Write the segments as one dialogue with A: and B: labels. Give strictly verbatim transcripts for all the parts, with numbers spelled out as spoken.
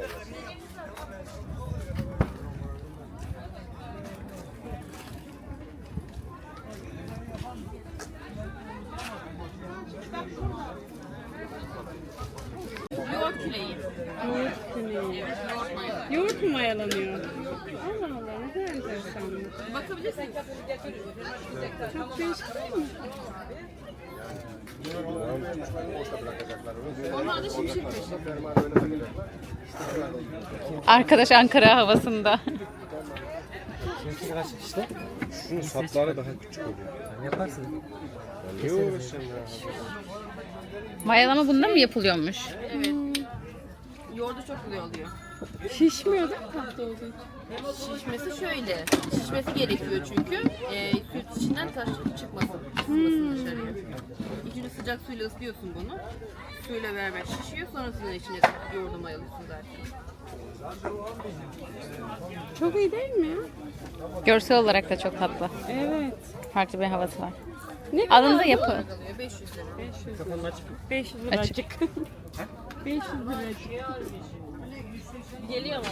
A: Yoğurt küleği.
B: Yoğurt küleği. Yoğurt mu mayalanıyor? Allah Allah, ne kadar enteresanmış.
A: Bakabilirsin.
B: Çok değişik değil mi?
A: Onlar da şimşek taşı.
C: Arkadaş Ankara havasında.
D: İşte şunun sapları daha küçük oluyor. Yani yaparsın. Ne uğraşacaksın ya?
C: Mayalama bunda mı yapılıyormuş?
A: Evet. Yoğurdu çok güzel oluyor.
B: Şişmiyor değil mi tatlı olduğu için?
A: Şişmesi şöyle. Şişmesi gerekiyor çünkü e, süt içinden taş çıkmasın. Çıkmasın dışarıya. İlk önce sıcak suyla ıslıyorsun bunu. Suyla beraber şişiyor. Sonrasında içine yoğurdu mayalıyorsun zaten.
B: Çok iyi değil mi ya?
C: Görsel olarak da çok tatlı.
B: Evet.
C: Farklı bir havası var.
B: Ne kadar?
C: Alın da yapı.
A: Alıyor beş yüz lira.
B: beş yüz liracık. beş yüz liracık.
A: Geliyor mu?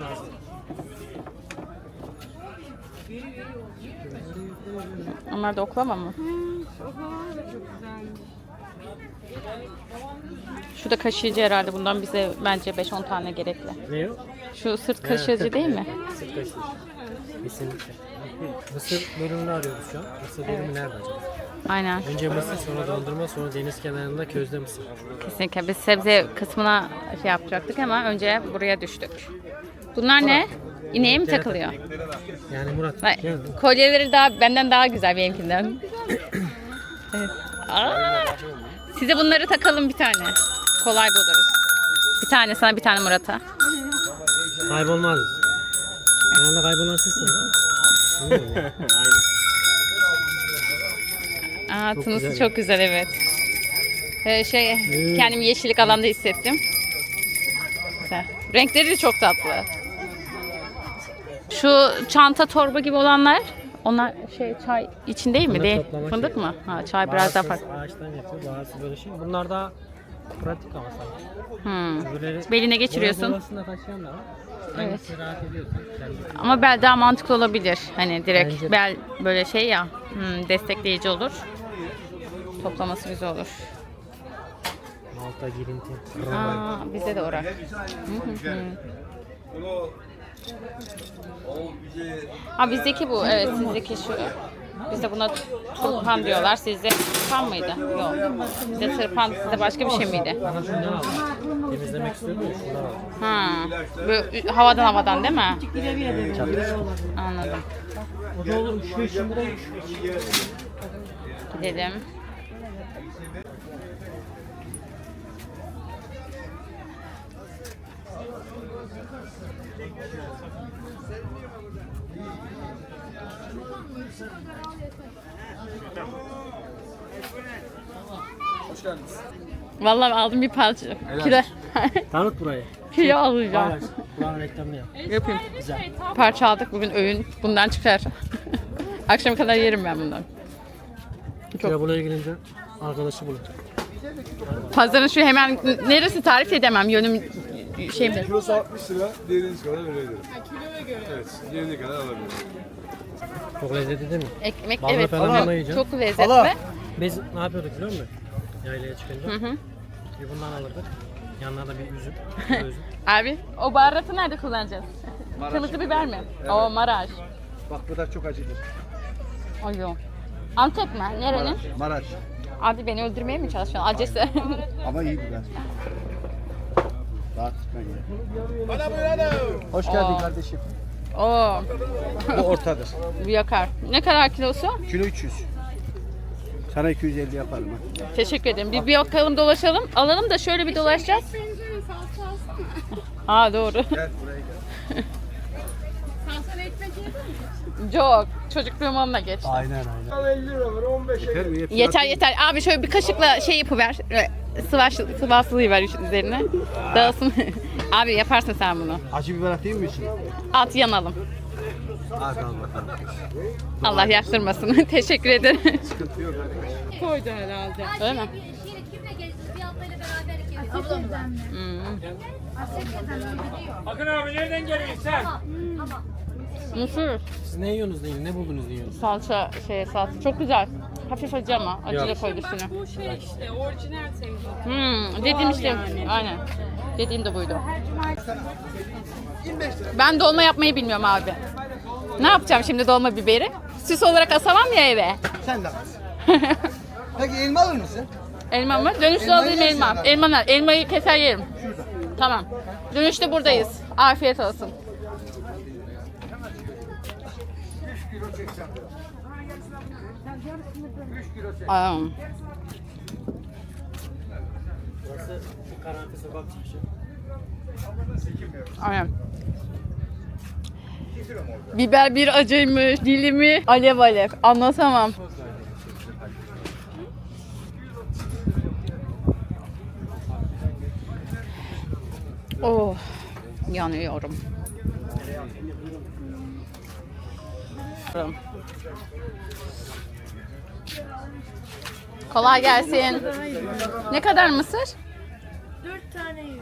C: Onlar da oklama mı?
B: Oha, çok güzelmiş.
C: Şu da kaşıyıcı herhalde. Bundan bize bence beş on tane gerekli.
D: Ne o?
C: Şu sırt kaşıyıcı değil mi?
D: Sırt kaşığı. Kesinlikle. Mısır bölümünü arıyoruz şu an. Mısır bölümü nerede acaba?
C: Aynen.
D: Önce mısır, sonra dondurma, sonra deniz kenarında közde mısır.
C: Kesinlikle. Biz sebze kısmına şey yapacaktık ama önce buraya düştük. Bunlar ne? İneğe mi takılıyor?
D: Yani Murat,
C: Vay,
D: gel.
C: kolyeleri daha benden daha güzel benimkinden. Evet. Aa, size bunları takalım bir tane. Kolay buluruz. Bir tane sana, bir tane Murat'a.
D: Kaybolmaz. Genelde kaybolan sizsin. Aynen.
C: Aa,
D: Çok
C: tınısı
D: güzel.
C: çok güzel, evet. Ee, şey,
D: Hmm.
C: kendimi yeşillik alanda hissettim. Güzel. Renkleri de çok tatlı. Şu çanta torba gibi olanlar, onlar şey çay için değil mi?
D: Fındık
C: Değil.
D: toplama
C: Fındık
D: şeyi.
C: mı? Ha, çay biraz daha
D: Bazısı
C: farklı.
D: ağaçtan yapıyor, bazısı böyle şey. Bunlar daha pratik ama sanki.
C: Hmm.
D: Öbürleri-
C: Beline geçiriyorsun.
D: Boya bolasında taşıyan da var.
C: Evet.
D: Hangisi rahat ediyorsun? Kendi.
C: Ama bel daha mantıklı olabilir. Hani direkt
D: Bence de.
C: bel böyle şey ya, hmm, destekleyici olur. Toplaması güzel olur.
D: Malta girinti.
C: Aa, bize de orak. Hı hı hı. Ha, bizdeki bu, evet, sizdeki şu. Bizde buna turpan diyorlar. Sizde turpan mıydı? Yok. Bizde tırpan, sizde başka bir şey miydi?
D: Bana şundan aldım. Temizlemek istiyordum ya şundan aldım.
C: Ha. Böyle havadan havadan değil mi? Anladım.
D: O da olur. Şu işin buraya
C: Gidelim.
D: Hoş geldiniz.
C: Vallahi aldım bir parça. Kilo,
D: Tanıt burayı.
C: kilo alacağım.
D: Paylaş. Buranın reklamını yap.
C: Yapayım.
D: Güzel.
C: Parça aldık bugün, öğün bundan çıkar. Akşama kadar yerim ben bundan.
D: Çok. Buraya gelince arkadaşı bulur.
C: Pazarın şu hemen neresi tarif edemem, yönüm şey mi?
E: Kilosu altmış lira, diğeriniz kadar verebilirim. Ha, kiloya göre? Evet, diğerine kadar alabilirim.
D: Çok lezzetli değil mi?
C: Ekmek,
D: Ballı
C: evet,
D: falan
C: çok,
D: yanına yiyeceğim.
C: çok lezzetli.
D: Biz ne yapıyorduk biliyor musun? Yaylaya çıkınca.
C: Hı hı.
D: Bir bundan alırdık. Yanına da bir üzüm. Bir üzüm.
C: Abi, o baharatı nerede kullanacağız? Kırmızı biber mi? O Maraş.
E: Bak bu da çok acıdır.
C: Ay yok. Antep mi? Nerenin?
E: Maraş.
C: Abi beni öldürmeye mi çalışıyorsun? Acısı.
E: Ama iyi biber. Rahat tutma ya. Bana buyurun. Hoş geldin
C: Oo.
E: kardeşim.
C: Oo,
E: Bu ortadır.
C: bu yakar. Ne kadar kilosu?
E: Kilo üç yüz. Sana iki yüz elli yaparım ha.
C: Teşekkür ederim. Bir, bir bakalım, dolaşalım. Alalım da şöyle bir dolaşacağız. Aa, doğru.
E: Gel buraya gel.
C: Çok. Çocukluğum onunla geçti.
E: Aynen aynen. elli lira var, on beş yeter mi?
C: Yeter yeter. Abi şöyle bir kaşıkla şey yapıver. Sıvaş, sıvasılığı ver üzerine. Dağılsın. Abi yaparsın sen bunu.
E: Acı biber atayım mı için?
C: At, yanalım.
E: Az al bakalım.
C: Allah yaktırmasın. Teşekkür ederim.
E: Sıkıntı yok hadi.
B: Koydu herhalde.
C: Öyle mi?
F: Kimle gezdiniz? Bir ablayla beraber
C: Hmm.
F: Akın abi nereden geliyorsun sen?
C: Mısır.
D: Siz ne yiyorsunuz deyin? Ne buldunuz yiyorsunuz?
C: Salça, şey salça. Çok güzel. Hafif acı ama. Acıyla
D: Yok.
C: koydu üstüne.
B: Bu şey işte orijinal senin.
C: Hmm, dediğim işte.
B: yani.
C: Aynen. Dediğim de buydu. Ben dolma yapmayı bilmiyorum abi. Ne yapacağım şimdi dolma biberi? Süs olarak asamam ya eve.
G: Sen de az. Peki elma alır mısın?
C: Elma mı? Dönüşte
G: Elmayı
C: alayım
G: yersin
C: elma.
G: herhalde.
C: Elma ne? Elmayı keser yerim. Tamam. Dönüşte buradayız. Afiyet olsun. Aa,
D: Burası Karanfil Sokak çıkışı.
C: aynen. Biber bir acıymış, dilimi alev alev. Anlatamam. Oh, yanıyorum. Kolay gelsin. Ne kadar mısır?
A: Dört tane yüz.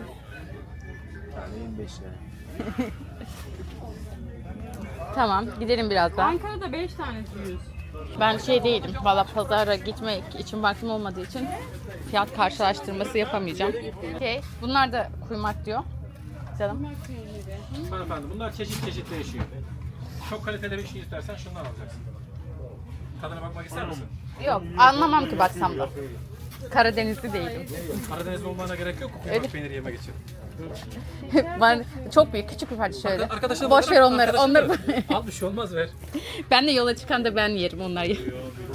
C: Tamam, gidelim birazdan.
B: Ankara'da beş tanesi yüz.
C: Ben şey değilim, valla pazara gitmek için vaktim olmadığı için fiyat karşılaştırması yapamayacağım. Okey, bunlar da kuymak diyor. Canım.
F: Hanımefendi bunlar çeşit çeşit değişiyor. Çok kaliteli bir şey istersen şundan alacaksın. Tadına bakmak ister misin?
C: Yok, anlamam ki baksam da. Karadenizli değilim.
F: Karadenizli olmana gerek yok kuymak peyniri yemek için.
C: Ben çok büyük, küçük bir parça şöyle.
F: Arkadaşlar
C: Boş ver onları,
F: arkadaşlar
C: onları.
F: da- Al bir şey olmaz ver.
C: Ben de yola çıkan da ben yerim, onlar yer.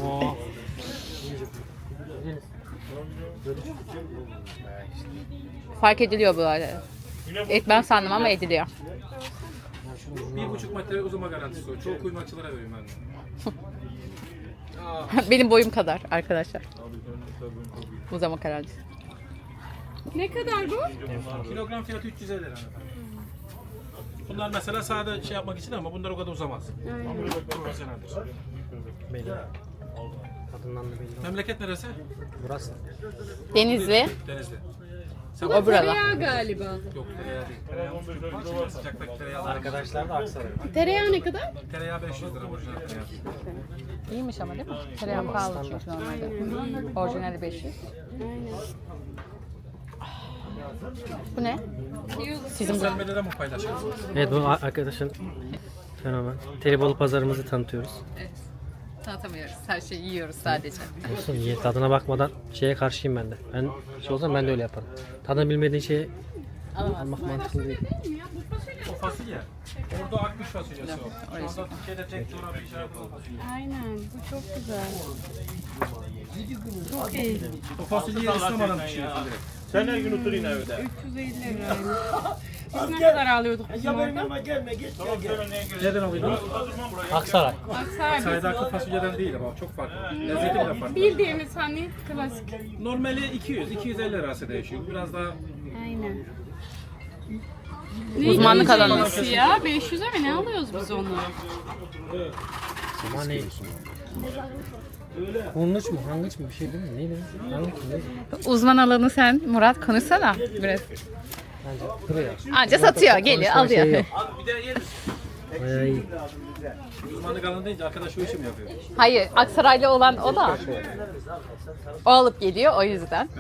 C: Fark ediliyor bu arada. Etmem sandım ama ediliyor.
F: Bir buçuk metre uzama garantisi o. Çoğu kuymakçılara veriyorum ben de.
C: Benim boyum kadar arkadaşlar. Bu zaman kararlı.
B: Ne kadar bu?
F: Kilogram fiyatı üç yüz elli lira. Bunlar mesela sade şey yapmak için ama bunlar o kadar uzamaz. Profesyoneldir.
D: Belli. Tadından da belli.
F: Memleket neresi?
D: Burası.
C: Denizli,
F: Denizli.
C: o burada.
B: Tereyağı galiba.
F: Yok tereyağı değil. Tereyağı için sıcaktaki tereyağı.
D: Arkadaşlar da Aksaray.
B: Tereyağı ne kadar?
F: Tereyağı beş yüz lira orijinal tereyağı.
C: İyiymiş ama değil mi? Tereyağı pahalı çünkü normalde. Orijinali beş yüz. Bu ne? Sizin
F: Sosyal medyada mı paylaşıyorsunuz?
D: Evet, bu arkadaşın fenomen. Telibolu pazarımızı tanıtıyoruz.
C: Tanıtamıyoruz. Her şeyi yiyoruz sadece.
D: Olsun, ye, tadına bakmadan şeye karşıyım ben de. Ben şey olsam ben de öyle yaparım. Tadını bilmediğin şeyi almak mantıklı değil.
F: O fasulye. Orada akmış fasulyesi o. Şu anda Türkiye'de tek coğrafi işaret olan fasulye.
B: Aynen. Bu çok güzel.
F: O fasulyeyi ıslamadan pişiriyorsun direkt.
H: Sen her gün oturun evde.
B: üç yüz elli liraymış. Biz ne kadar alıyorduk bizim orada?
F: Nereden alıyordunuz?
D: Aksaray.
B: Aksaray.
F: Saydaki fasulyeden değil ama çok farklı. Lezzeti bile farklı.
B: Bildiğimiz hani klasik.
F: Normali iki yüz iki yüz elli lirası değişiyor. Biraz daha
B: Aynen.
C: Uzmanlık alanı.
B: Nasıl ya? beş yüze mi ne alıyoruz biz onu?
D: Ama ne? Kurnuç mu? Hangıç mı? Bir şey değil mi? Neydi? Hangıç mı? Neydi?
C: Uzman alanı sen Murat konuşsana biraz.
D: Bence kırıyor.
C: Anca satıyor, geliyor,
D: Konuşma şeyi
C: alıyor.
D: yok.
F: bir de yeriz.
D: Bayağı iyi.
F: Uzmanlık alanı deyince arkadaş şu işi mi yapıyor?
C: Hayır, Aksaraylı olan o da. O alıp geliyor o yüzden.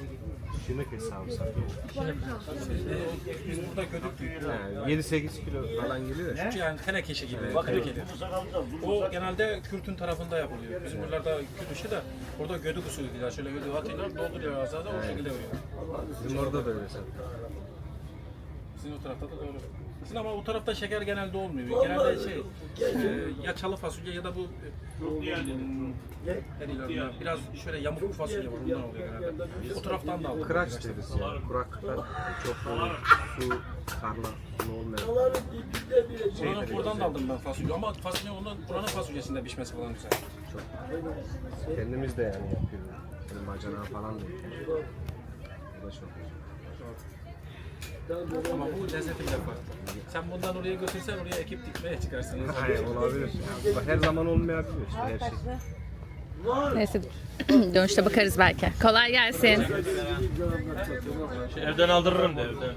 F: Biz burada gödük
E: yedi sekiz kilo falan geliyor ya.
F: yani teneke işi gibi tenekeli. O genelde Kürt'ün tarafında yapılıyor. Bizim buralarda Kürt işi de orada gödük usulü diyorlar. Şöyle gödüğü atıyorlar, dolduruyor azada o şekilde veriyor.
E: Bizim orada da öyle sen.
F: Sizin o tarafta da doğru. Sizin ama o tarafta şeker genelde olmuyor. Genelde şey, e, ya çalı fasulye ya da bu e, ne diyorlar buna, biraz şöyle yamuk bir fasulye var, ondan oluyor genelde. O taraftan da aldık.
E: Kıraç deriz ya. Kuraklıktan çok böyle su, karla, su olmayan.
F: Buranın oradan da aldım ben fasulye ama fasulye ondan buranın fasulyesinde pişmesi falan güzel.
E: Kendimiz de yani yapıyoruz. Böyle macera falan da yapıyoruz. Bu da çok güzel.
F: Ama bu lezzeti bile farklı. Sen bundan oraya götürsen oraya ekip dikmeye çıkarsınız.
E: Hayır olabilir. Bak, her zaman olmayabilir işte her şey.
C: Neyse dönüşte bakarız belki. Kolay gelsin.
F: Evden aldırırım de evden.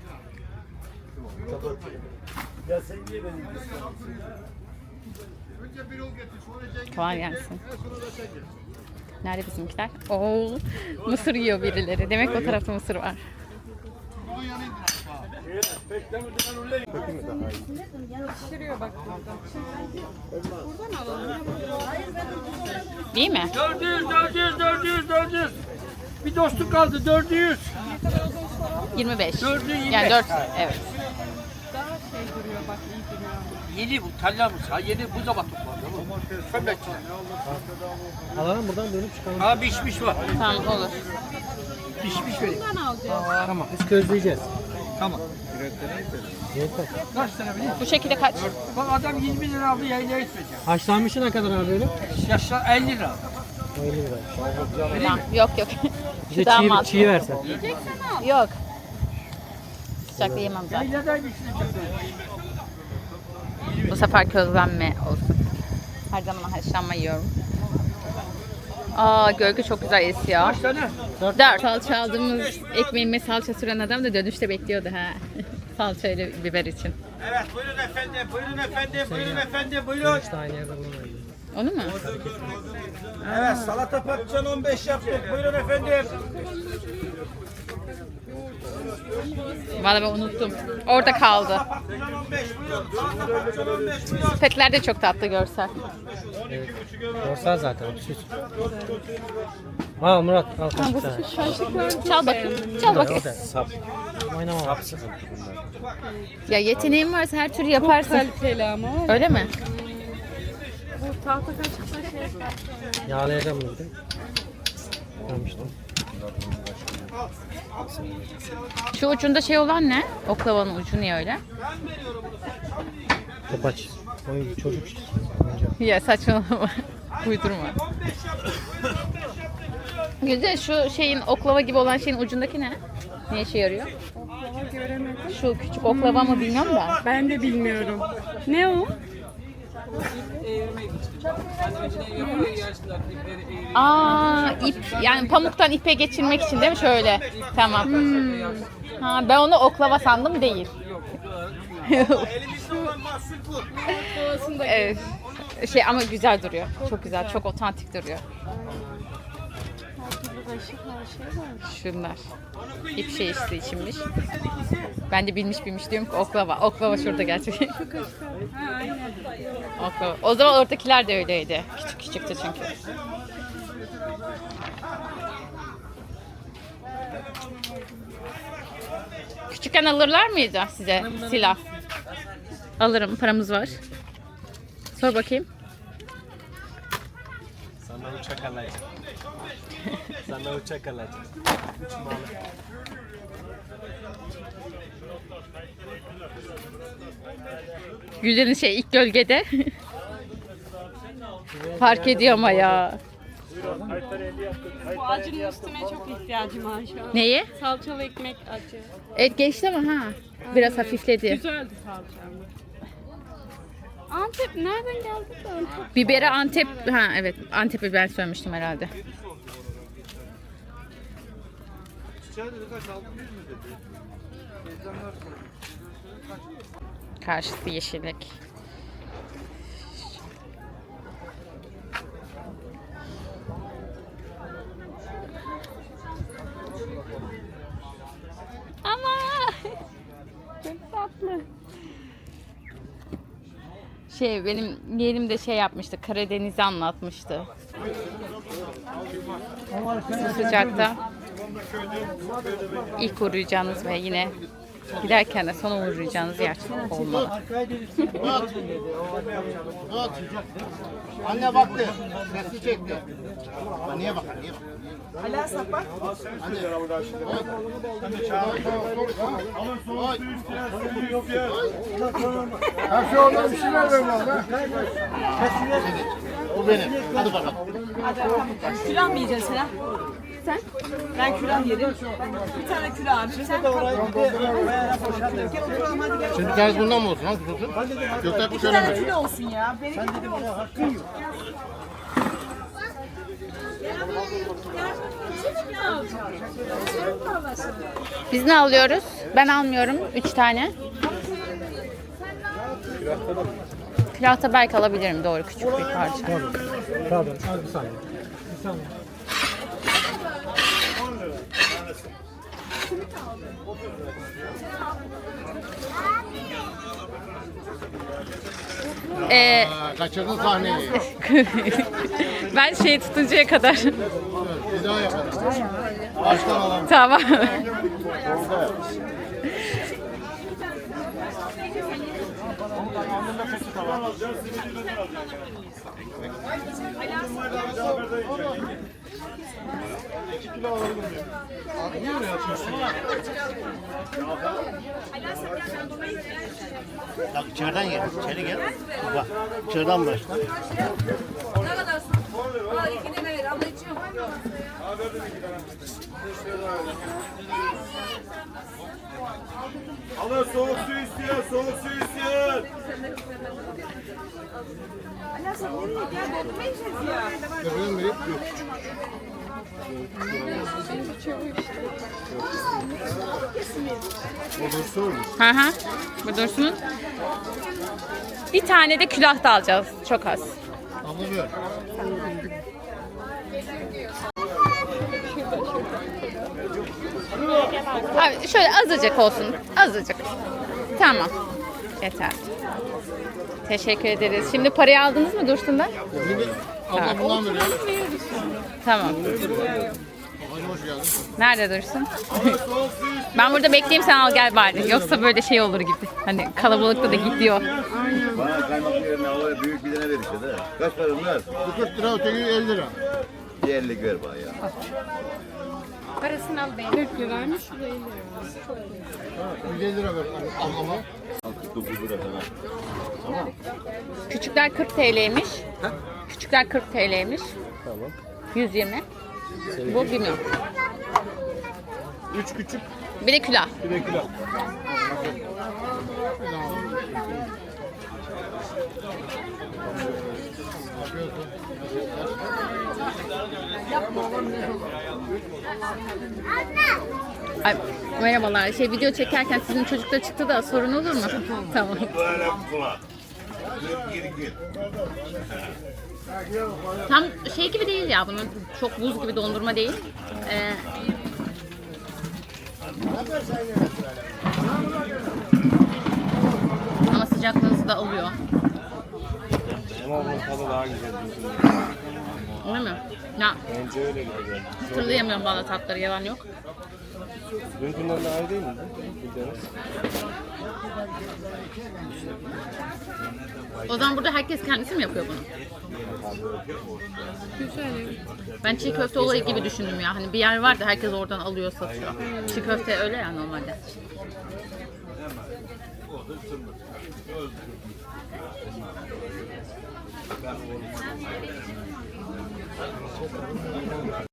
C: Kolay gelsin. Nerede bizimkiler? Oo, mısır yiyor birileri. Demek o tarafta mısır var. Değil mi?
F: dört yüz, dört yüz, dört yüz, dört yüz. Bir dostluk kaldı dört yüz.
C: yirmi beş.
F: Dördü yirmi beş.
C: Yani dört. Evet.
H: Yeni bu tallamız ha yeni bu zaman toplandı. Kömbekçiler.
D: Alalım buradan dönüp çıkalım.
H: Ha pişmiş var.
C: Tamam olur.
H: Pişmiş vereyim. Tamam.
D: Biz közleyeceğiz.
H: Tamam.
D: Yeter.
H: Kaç tane bileyim?
C: Bu şekilde kaç?
H: Bak adam yirmi lira aldı yayına gitmeyecek.
D: Haşlanmışı ne kadar abi öyle?
H: Yaşlar elli lira.
D: elli lira.
C: Tamam. Yok yok.
D: Bize
C: Daha
D: çiğ,
C: mantıklı.
D: çiğ versen.
C: Yok. Sıcakta yemem zaten.
H: Yayladan güçlü.
C: Bu sefer közlenme olsun. Her zaman haşlanma yiyorum. Aa gölge çok güzel esiyor.
H: Kaç tane?
C: Dört. Salça aldığımız ekmeğime salça süren adam da dönüşte bekliyordu ha. Salça ile biber için.
H: Evet buyurun efendim buyurun efendim buyurun efendim buyurun.
D: İşte aynı yerde bulunamayız.
C: Onu mu?
H: Evet salata patlıcan on beş yaptık buyurun efendim.
C: Vallahi ben unuttum. Orada kaldı.
H: Patlıcan on beş buyurun. Salata patlıcan on beş buyurun.
C: Petler de çok tatlı görsel.
D: Görsel zaten. Süs. Al Murat al kaşık tane.
C: Çal bakayım. Çal bakayım.
D: Sap. Oynama bak.
C: Ya yeteneğin varsa her türlü yaparsın.
B: Kaliteli ama o.
C: Öyle mi?
B: Bu tahta kaşıkla şey yapar.
D: Yağlayacağım bunu bir de. Görmüştüm.
C: Şu ucunda şey olan ne? Oklavanın ucu niye öyle?
D: Topaç. Oyun çocuk işte.
C: Ya saçmalama. Uydurma. Güzel şu şeyin oklava gibi olan şeyin ucundaki ne? Ne işe yarıyor?
B: Oklava göremedim.
C: Şu küçük oklava mı bilmiyorum da.
B: Ben de bilmiyorum. Ne o?
C: Aa ip yani pamuktan ipe geçirmek için değil mi şöyle? Tamam. Ha ben onu oklava sandım değil. Evet. Şey ama güzel duruyor. Çok güzel, çok otantik duruyor. Şunlar. İp şey işte içinmiş. Ben de bilmiş bilmiş diyorum ki oklava. Oklava şurada gerçekten. Oklava. O zaman oradakiler de öyleydi. Küçük küçüktü çünkü. Küçükken alırlar mıydı size silah? Alırım, paramız var. Sor bakayım.
D: Sana uçak alacağım. Sana uçak alacağım. Uçmalı.
C: Güllerin şey ilk gölgede. Fark ediyor ama ya.
B: Bu acının üstüne çok ihtiyacım var şu an.
C: Neyi?
B: Salçalı ekmek acı.
C: Evet geçti ama ha. Biraz hafifledi.
B: Güzeldi salça ama. Antep nereden geldi de Antep?
C: Biberi Antep, ha evet Antep'i ben söylemiştim herhalde. Karşısı yeşillik. Ama çok tatlı. Şey benim yeğenim de şey yapmıştı. Karadeniz'i anlatmıştı. Bu sıcakta ilk uğrayacağınız ve yine giderken de son uğrayacağınız yer olmalı.
G: Anne baktı. Sesi çekti. Anneye bak, anneye bak.
I: Hala sapar.
G: Her şey oradan bir şeyler ver lan. O benim. Hadi bakalım.
I: Külah mı yiyeceksin sen? Sen? Ben külah yerim. Bir tane külah abi. Sen kalk. Gel oturalım hadi gel.
G: Şimdi bir tanesi bundan mı olsun? Hangisi olsun? Gökler
I: Bir
G: şöyle
I: tane
G: mi?
I: külah olsun ya. Benim külah olsun.
C: Biz ne alıyoruz? Ben almıyorum. Üç tane. Külahta belki alabilirim. Doğru, küçük bir parça.
D: Pardon, az bir saniye. Bir saniye.
C: Ee,
G: Aa, kaçırdın sahneyi.
C: ben şey tutuncaya kadar.
G: Bir daha yapalım. Baştan alalım.
C: Tamam.
G: Bak içeriden gel. İçeri gel. Bak içeriden başla.
H: Alın soğuk su istiyor, soğuk su istiyor.
G: Gördüğün biri yok.
C: Hı hı. Bu dursun. Bir tane de külah da alacağız. Çok az.
G: Anlamıyor.
C: Abi şöyle azıcık olsun. Azıcık. Tamam. Yeter. Teşekkür ederiz. Şimdi parayı aldınız mı Dursun'dan?
G: Şimdi abla bundan veriyor.
C: Tamam.
G: Hadi hoş geldin.
C: Nerede Dursun? Ben burada bekleyeyim, sen al gel bari. Yoksa böyle şey olur gibi. Hani kalabalıkta da gidiyor.
J: Bana kaymak yerine havaya büyük bir tane ver işte de. Kaç para bunlar?
G: Bu kırk lira, öteki elli lira.
J: Bir elli ver bana ya.
C: Parasını al benim.
B: kırk liraymış, şurada elli lira.
G: yüz elli lira ver ablama.
J: kırk dokuz lira falan.
C: Küçükler kırk T L'ymiş. Küçükler kırk T L'ymiş.
E: Tamam.
C: yüz yirmi. Bu bilmiyorum.
E: Üç küçük,
C: Bir de külah.
E: bir de kilo.
C: Ay, merhabalar. Şey, video çekerken sizin çocuklar çıktı da sorun olur mu? Tamam. Tam şey gibi değil ya, bunun çok buz gibi dondurma değil. Ee, ama sıcaklığınızı da alıyor.
E: Ama onun tadı daha güzel.
C: Öyle mi? Ya,
E: Bence öyle güzel.
C: hatırlayamıyorum valla tatları, yalan yok.
E: Dünkünden daha iyi değil mi? Bildiğiniz.
C: O zaman burada herkes kendisi mi yapıyor bunu? Ben çiğ köfte olayı gibi düşündüm ya. Hani bir yer var da herkes oradan alıyor, satıyor. Çiğ köfte öyle ya normalde.